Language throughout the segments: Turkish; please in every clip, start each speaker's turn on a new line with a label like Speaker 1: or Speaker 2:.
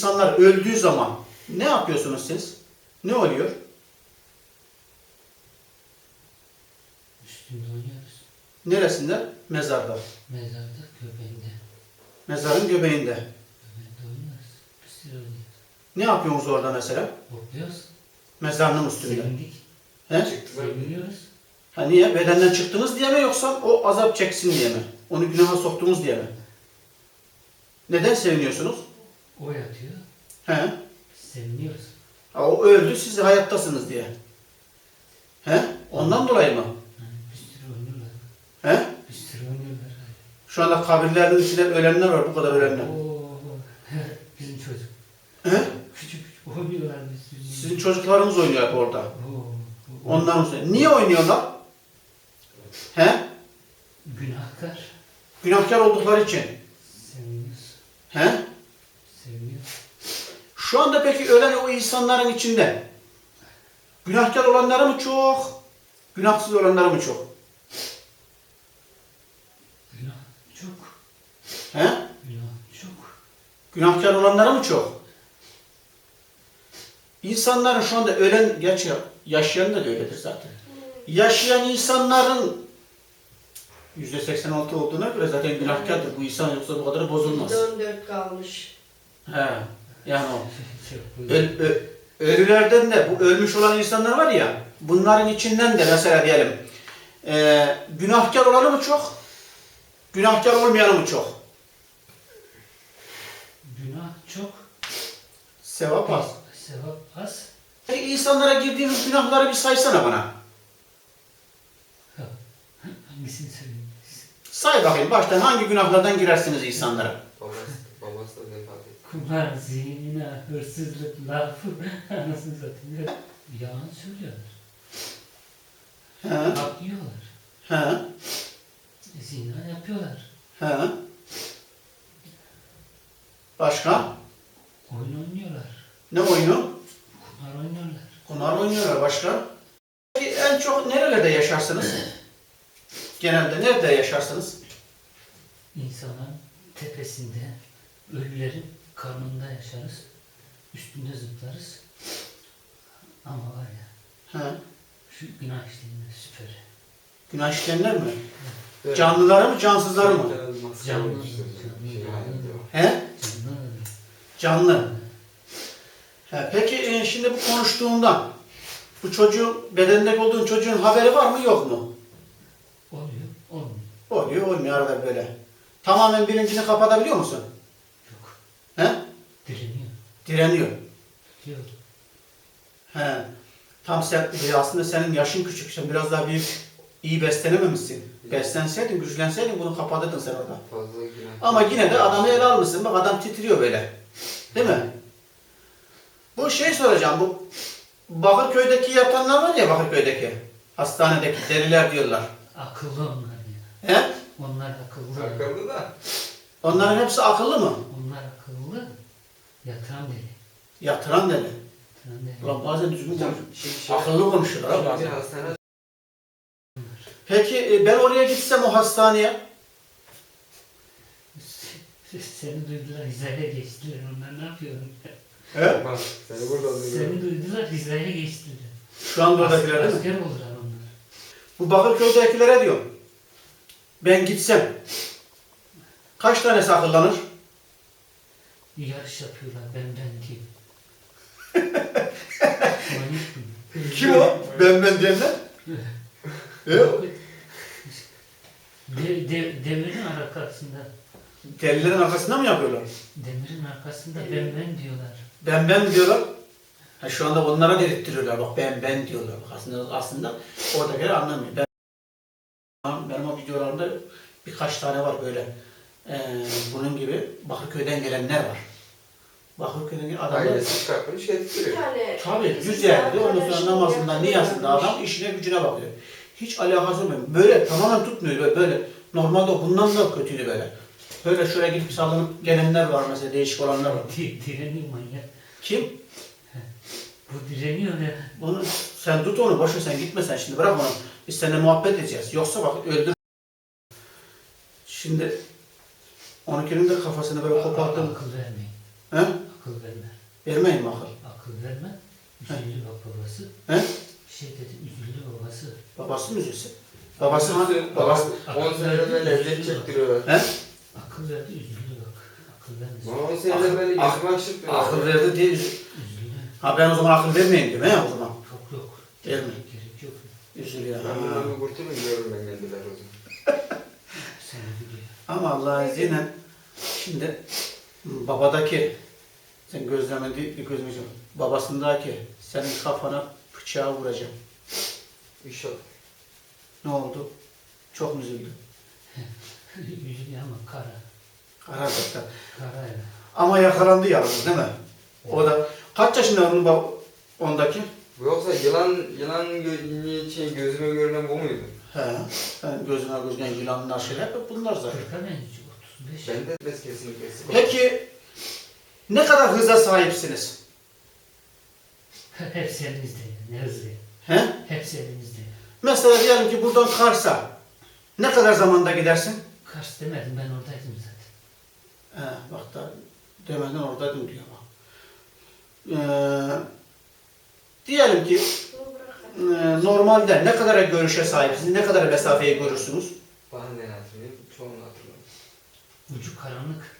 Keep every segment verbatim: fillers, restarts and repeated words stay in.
Speaker 1: İnsanlar öldüğü zaman ne yapıyorsunuz siz? Ne oluyor?
Speaker 2: Üstünde oynuyoruz.
Speaker 1: Neresinde? Mezarda.
Speaker 2: Mezarda göbeğinde.
Speaker 1: Mezarın göbeğinde.
Speaker 2: Göbeğinde oynuyoruz. Bir sürü oynuyoruz.
Speaker 1: Ne yapıyorsunuz orada mesela?
Speaker 2: Hopluyoruz.
Speaker 1: Mezarının üstünde.
Speaker 2: Sevindik.
Speaker 1: He?
Speaker 2: Seviniyoruz.
Speaker 1: Ha niye? Bedenden çıktınız diye mi yoksa o azap çeksin diye mi? Onu günaha soktunuz diye mi? Neden seviniyorsunuz?
Speaker 2: O yatıyor.
Speaker 1: He?
Speaker 2: Seviniyoruz.
Speaker 1: Ha, o öldü, siz hayattasınız diye. He? Ondan dolayı mı?
Speaker 2: Yani bir sürü oynuyorlar.
Speaker 1: He?
Speaker 2: Bir sürü oynuyorlar.
Speaker 1: Şu anda kabirlerin içinde ölenler var, bu kadar ölenler.
Speaker 2: Oo, bizim çocuk.
Speaker 1: He?
Speaker 2: Küçük küçük oynuyorlar bir sürü.
Speaker 1: Sizin çocuklarınız oynuyor hep orada.
Speaker 2: Oo, oo.
Speaker 1: Ondan sonra. Niye oynuyorlar? He?
Speaker 2: Günahkar.
Speaker 1: Günahkar oldukları için.
Speaker 2: Seviniyoruz.
Speaker 1: He?
Speaker 2: Seviniyoruz.
Speaker 1: Şu anda peki ölen o insanların içinde günahkar olanları mı çok, günahsız olanları mı çok?
Speaker 2: Günah çok.
Speaker 1: He?
Speaker 2: Günah çok.
Speaker 1: Günahkar olanları mı çok? İnsanların şu anda ölen, gerçi yaşayan da öyledir zaten. Yaşayan insanların yüzde seksen altı olduğuna göre zaten günahkardır. Bu insan yoksa bu kadar bozulmaz.
Speaker 3: on dört kalmış.
Speaker 1: He. Yani o.
Speaker 2: Çok
Speaker 1: Öl, ö, ölülerden de bu ölmüş olan insanlar var ya, bunların içinden de mesela diyelim e, günahkar olanı mı çok, günahkar olmayanı mı çok?
Speaker 2: Günah çok.
Speaker 1: Sevap az.
Speaker 2: Sevap az.
Speaker 1: Peki insanlara girdiğimiz günahları bir saysana bana.
Speaker 2: Hangisini söyleyeyim?
Speaker 1: Say bakayım baştan hangi günahlardan girersiniz insanlara?
Speaker 4: Babası, babası da vefat etti.
Speaker 2: Kumar, zina, hırsızlık, laf, anasını satayım. Yalan söylüyorlar.
Speaker 1: He,
Speaker 2: Hak yiyorlar.
Speaker 1: he,
Speaker 2: Zina yapıyorlar.
Speaker 1: he. Başka?
Speaker 2: Oyun oynuyorlar.
Speaker 1: Ne oyunu?
Speaker 2: Kumar oynuyorlar.
Speaker 1: Kumar oynuyorlar. Başka? Peki en çok nerelerde yaşarsınız? Genelde nerede yaşarsınız?
Speaker 2: İnsanların tepesinde, ölülerin karnında yaşarız. Üstünde zıplarız. Ama var ya,
Speaker 1: He.
Speaker 2: şu günah işlerinde süper.
Speaker 1: Günah işleyenler mi?
Speaker 4: Evet.
Speaker 1: Canlıları mı, cansızları mı?
Speaker 4: Canlı.
Speaker 2: Canlı.
Speaker 4: Şey halinde o.
Speaker 1: He?
Speaker 2: Canlı ölü.
Speaker 1: Canlı. He, peki e, şimdi bu konuştuğundan bu çocuğun, bedenindeki olduğun çocuğun haberi var mı yok mu?
Speaker 2: Oluyor, olmuyor.
Speaker 1: Oluyor, olmuyor arada böyle. Tamamen bilincini kapatabiliyor musun?
Speaker 2: Yok.
Speaker 1: He?
Speaker 2: Direniyor.
Speaker 1: Direniyor.
Speaker 2: Yok.
Speaker 1: He. Tam sen, e, aslında senin yaşın küçük, sen biraz daha büyük, iyi beslenememişsin. Beslenseydin, güçlenseydin bunu kapatırdın sen orada.
Speaker 4: Fazla günah.
Speaker 1: Ama yine de adamı ele almışsın. Bak adam titriyor böyle. Değil mi? Bu şey soracağım. Bu Bakırköy'deki yatanlar var ya, Bakırköy'deki hastanedeki deliler diyorlar.
Speaker 2: Akıllı onlar ya.
Speaker 1: He?
Speaker 2: Onlar akıllı.
Speaker 4: Akıllı da.
Speaker 1: Onların hepsi akıllı mı?
Speaker 2: Onlar akıllı. Yatıran deli.
Speaker 1: Yatıran deli.
Speaker 2: Yatıran deli.
Speaker 1: Ulan bazen düzgün
Speaker 4: Hocam,
Speaker 1: konuş.
Speaker 4: şey, şey,
Speaker 1: Akıllı konuşuyorlar ha
Speaker 4: Şimdi
Speaker 1: bazen.
Speaker 4: hastane
Speaker 1: Peki e, ben oraya gitsem o hastaneye,
Speaker 2: Seni duydular, hizaya geçtiler. Onlar ne yapıyor?
Speaker 1: he?
Speaker 4: bak seni burada alıyor.
Speaker 2: Seni duydular, hizaya geçtiler.
Speaker 1: Şu anda oradakiler değil mi?
Speaker 2: Asker oldular onlar.
Speaker 1: Bu Bakırköy'dekilere diyorum. Ben gitsem kaç tanesi akıllanır?
Speaker 2: Yarış yapıyorlar, ben ben diye. Manyak mı?
Speaker 1: Kim o? Ben ben diyenler? He?
Speaker 2: De, de, demirin arkasında,
Speaker 1: Delilerin arkasında mı yapıyorlar?
Speaker 2: demirin arkasında ben ben diyorlar.
Speaker 1: Ben ben diyorlar. Ha, şu anda onlara dedirtiyorlar. Bak ben ben diyorlar. Bak aslında, aslında oradakiler anlamıyor. Ben, benim o videolarımda birkaç tane var böyle. Ee, bunun gibi Bakırköy'den gelenler var. Bakırköy'den gelen adamlar.
Speaker 4: Ailesi çıkartmış
Speaker 3: Bir
Speaker 4: getiriyor.
Speaker 3: tane
Speaker 1: Tabii güzeldi. Ondan sonra namazında, niyazında adam işine gücüne bakıyor. Hiç alakası olmuyor. Böyle tamamen tutmuyor böyle. böyle. Normalde bundan da kötüydü böyle. Böyle şöyle gidip sallanıp gelenler var mesela, değişik olanlar var.
Speaker 2: Di, direniyor manyak.
Speaker 1: Kim?
Speaker 2: Bu direniyor ya.
Speaker 1: Bunu sen tut onu, boş ver, sen gitme sen şimdi, bırak onu. Biz seninle muhabbet edeceğiz. Yoksa bak öldür. Şimdi onunkinin de kafasını böyle koparttım.
Speaker 2: Akıl vermeyin.
Speaker 1: He?
Speaker 2: Akıl verme.
Speaker 1: Vermeyin mi akıl?
Speaker 2: Akıl verme. Üzüldü bak babası.
Speaker 1: He?
Speaker 2: Bir şey dedi, üzüldü babası.
Speaker 1: Babası mı üzülsün? Babası mı? Babası.
Speaker 4: on senede böyle lezzet çektiriyorlar.
Speaker 1: He?
Speaker 2: Akıl verdi, üzüldü bak. Akıl vermesin.
Speaker 4: Bana on senede böyle
Speaker 1: Ak-
Speaker 4: yüzüme akşırtmıyorlar.
Speaker 1: Akıl verdi diye üzül.
Speaker 2: Üzüldü.
Speaker 1: Ha ben o zaman akıl vermeyin diyorum he o zaman.
Speaker 2: Yok yok.
Speaker 1: Verme.
Speaker 2: Gerek yok.
Speaker 1: Üzülüyor.
Speaker 4: Ben
Speaker 1: Ha.
Speaker 4: bundan bir kurtulun diyorum ben kendiler o zaman.
Speaker 2: Seni biliyor.
Speaker 1: Ama Allah'ın izniyle şimdi babadaki sen gözlemedi bir gözlemeyeceğim. Babasındaki senin kafana bıçağı vuracağım.
Speaker 4: İnşallah.
Speaker 1: Ne oldu? Çok mu üzüldün?
Speaker 2: Üzülüyor ama kara.
Speaker 1: Karar verdi.
Speaker 2: Kara yani.
Speaker 1: Ama yakalandı yalnız değil mi? O da kaç yaşında onun bab- ondaki?
Speaker 4: Bu yoksa yılan, yılan gö şey, gözüme görünen bu muydu?
Speaker 1: He. Ben gözüne gözüne yılanlar şeyler hep bunlar zaten.
Speaker 2: kırka benziyor. otuz beş.
Speaker 4: Ben de bez kesinlikle.
Speaker 1: Peki ne kadar hıza sahipsiniz?
Speaker 2: Hepsi elinizde. Ne hızlı.
Speaker 1: He?
Speaker 2: Hepsi elinizde.
Speaker 1: Mesela diyelim ki buradan Kars'a ne kadar zamanda gidersin?
Speaker 2: Kars demedim, ben oradaydım zaten.
Speaker 1: He, bak da demeden oradaydım diyor bak. Ee, diyelim ki e, normalde ne kadar görüşe sahipsiniz, ne kadar mesafeyi görürsünüz?
Speaker 4: Bana ne hatırlıyorum? Çoğunu hatırlıyorum.
Speaker 2: Ucu karanlık.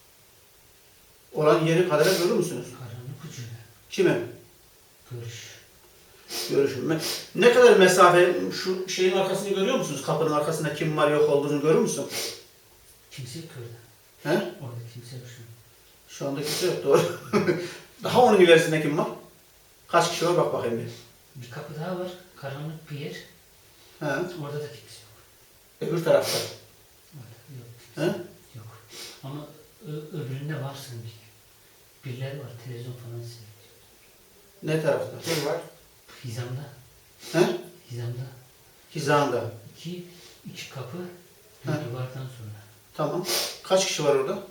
Speaker 1: Olan yeri kadar görür müsünüz?
Speaker 2: Karanlık ucu.
Speaker 1: Kimin?
Speaker 2: Görüş.
Speaker 1: Görüşüm. Me- Ne kadar mesafe, şu şeyin arkasını görüyor musunuz? Kapının arkasında kim var yok olduğunu görür müsün?
Speaker 2: Kimse yok orada.
Speaker 1: He?
Speaker 2: Orada kimse yok şu an.
Speaker 1: Şu anda kimse yok doğru. Daha onun ilerisinde kim var? Kaç kişi var bak bakayım bir.
Speaker 2: Bir kapı daha var. Karanlık bir yer.
Speaker 1: He?
Speaker 2: Orada da kimse yok.
Speaker 1: Öbür tarafta.
Speaker 2: Orada yok.
Speaker 1: He?
Speaker 2: Kimse yok. Ama ö- öbüründe var sanki. Birileri var. Televizyon falan seyrediyor.
Speaker 1: Ne tarafta?
Speaker 4: Kim var?
Speaker 2: Hizamda.
Speaker 1: He?
Speaker 2: Hizamda.
Speaker 1: Hizanda.
Speaker 2: İki, iki kapı. Bir
Speaker 1: He.
Speaker 2: duvardan sonra.
Speaker 1: Tamam. Kaç kişi var orada?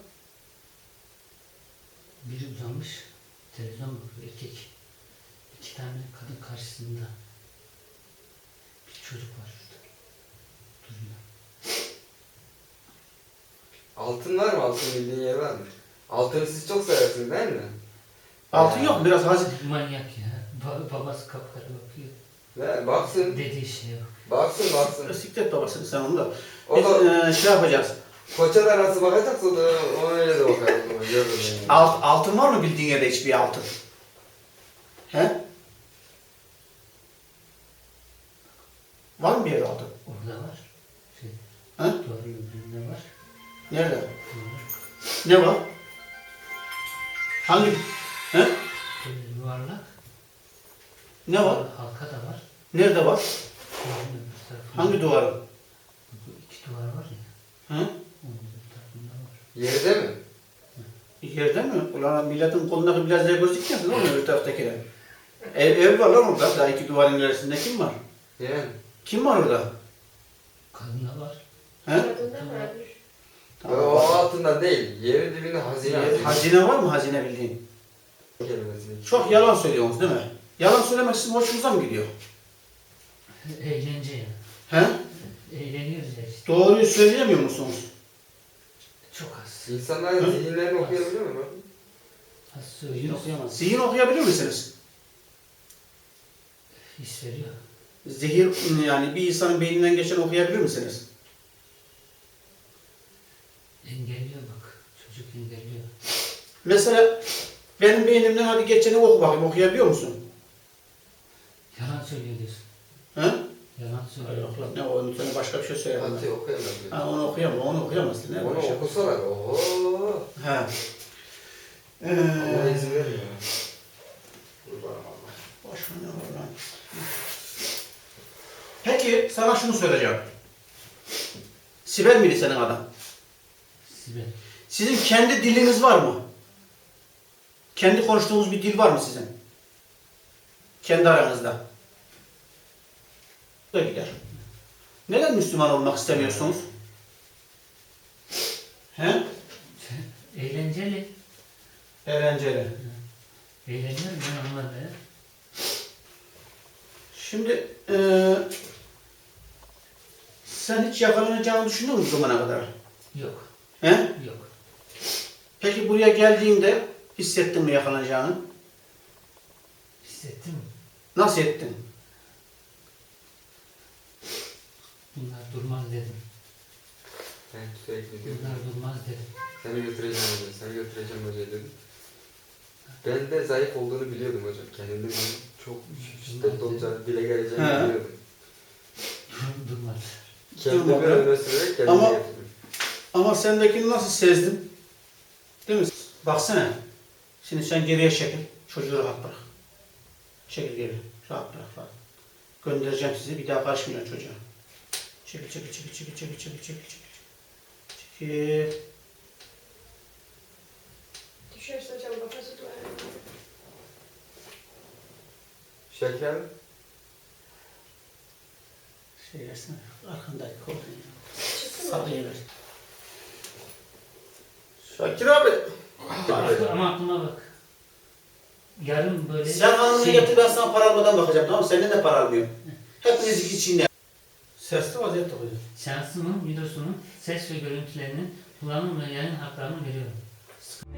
Speaker 2: Biri uzanmış. Televizyon bakıyor. Erkek. İki tane kadın karşısında. Bir çocuk var şurada. Duruyor.
Speaker 4: Altın var mı? Altın bildiğin yer var mı? Altını siz çok seversiniz değil mi?
Speaker 1: Altın
Speaker 4: Ya.
Speaker 1: yok mu? Biraz hazır.
Speaker 2: Manyak ya. Ba- babası kapkara bakıyor.
Speaker 4: Ve baksın,
Speaker 2: Dediği şey yok.
Speaker 4: baksın, baksın.
Speaker 1: Siklet babasını sen onu da.
Speaker 4: O
Speaker 1: Biz,
Speaker 4: da
Speaker 1: e, şey yapacağız.
Speaker 4: koça da nasıl bakacaksa o da ona öyle de bakar o zaman. Görürüm yani.
Speaker 1: Alt, altın var mı bildiğin yerde hiçbir altın? He? Var mı bir yerde altın?
Speaker 2: Orada var. Şey,
Speaker 1: He?
Speaker 2: duvarın öbüründe var.
Speaker 1: Nerede?
Speaker 2: Var.
Speaker 1: Ne var? Hangi? He?
Speaker 2: Böyle yuvarlak.
Speaker 1: Ne var?
Speaker 2: Halka da var.
Speaker 1: Nerede var?
Speaker 2: Duvarın öbür tarafında.
Speaker 1: Hangi duvarın?
Speaker 2: Bu iki duvar var ya.
Speaker 1: He?
Speaker 2: Onun öbür tarafında var.
Speaker 4: Yerde mi?
Speaker 1: Yerde mi? Ulan milletin kolundaki bilezleri gözükmüyor lan öbür taraftakiler. Ev, ev var lan orada. Daha iki duvarın ilerisinde kim var?
Speaker 4: Yani.
Speaker 1: Kim var orada?
Speaker 2: Kadın da var.
Speaker 1: He?
Speaker 4: O altında değil. Yerin dibinde hazine.
Speaker 1: Hazine, hazine var mı hazine bildiğin?
Speaker 4: kelimesini.
Speaker 1: Çok yalan söylüyorsunuz değil mi? Yalan söylemek sizin hoşunuza mı gidiyor?
Speaker 2: Eğlence ya.
Speaker 1: He?
Speaker 2: Eğleniyoruz ya işte.
Speaker 1: Doğruyu söyleyemiyor musunuz?
Speaker 2: Çok az.
Speaker 4: İnsanların
Speaker 1: Hı?
Speaker 4: zihinlerini okuyabiliyor mu?
Speaker 2: Az
Speaker 1: Zihin
Speaker 2: söylüyoruz.
Speaker 1: okuyamaz. Zihin okuyabilir misiniz?
Speaker 2: His veriyor.
Speaker 1: Zehir yani bir insanın beyninden geçen okuyabilir misiniz?
Speaker 2: Engelliyor bak. Çocuk engelliyor.
Speaker 1: Mesela benim beynimden hadi geçeni oku bakayım okuyabiliyor musun?
Speaker 2: Yalan söylüyor diyorsun.
Speaker 1: He?
Speaker 2: Yalan söylüyor.
Speaker 1: Yok lan ne o onun üzerine başka bir şey söyleyemem.
Speaker 4: Hadi okuyamaz.
Speaker 1: Ha onu okuyamam, onu okuyamazsın. Ne
Speaker 4: Onu
Speaker 1: böyle şey?
Speaker 4: okusalar oho.
Speaker 1: He.
Speaker 4: Allah
Speaker 1: Ee,
Speaker 4: izin vermiyor. Kurbanım Allah.
Speaker 1: Başka ne var lan? Peki sana şunu söyleyeceğim. Sibel miydi senin adam?
Speaker 2: Sibel.
Speaker 1: Sizin kendi diliniz var mı? Kendi konuştuğunuz bir dil var mı sizin? Kendi aranızda. Da gider. Neden Müslüman olmak istemiyorsunuz? He?
Speaker 2: Eğlenceli.
Speaker 1: Eğlenceli.
Speaker 2: Eğleniyorum ben onlarla ya.
Speaker 1: Şimdi eee sen hiç yakalanacağını düşünüyor musun bu zamana kadar?
Speaker 2: Yok.
Speaker 1: He?
Speaker 2: Yok.
Speaker 1: Peki buraya geldiğinde Hissettin mi yakalanacağını?
Speaker 2: Hissettin mi?
Speaker 1: Nasıl ettin?
Speaker 2: Bunlar durmaz dedim.
Speaker 4: Ben sürekli diyorum.
Speaker 2: Bunlar durmaz dedim.
Speaker 4: Seni götüreceğim hocam, seni götüreceğim hocam dedim. Ben de zayıf olduğunu biliyordum hocam. Kendimde bir çok şiddetli olacağını, dile geleceğini
Speaker 1: He.
Speaker 4: biliyordum.
Speaker 2: Durmaz.
Speaker 4: Kendimi
Speaker 1: Durmadı.
Speaker 4: öne sürerek kendimi
Speaker 1: Ama-
Speaker 4: getirdim.
Speaker 1: Ama sendekini nasıl sezdim? Değil mi? Baksana. Şimdi sen geriye çekil. Çocuğu rahat bırak. Çekil geri. Rahat bırak. Rahat. Göndereceğim sizi. Bir daha karışmayın çocuğa. Çekil çekil çekil çekil çekil çekil çekil çekil. Çekil.
Speaker 3: Düşerse hocam kafası duvara.
Speaker 4: Şeker,
Speaker 1: Şey versene. Arkandaki kolunu.
Speaker 3: Çıktı mı?
Speaker 1: Sarıyı ver. Şakir abi.
Speaker 2: Aklı- Ama aklıma bak. Yarın böyle...
Speaker 1: Sen hanımını
Speaker 2: şey-
Speaker 1: getir, ben sana para almadan bakacağım, tamam mı? Senden de para almıyorum. Hepiniz içinde. Sesli vaziyette hocam.
Speaker 2: Şansımın videosunun ses ve görüntülerinin kullanım ve yayın haklarını veriyorum.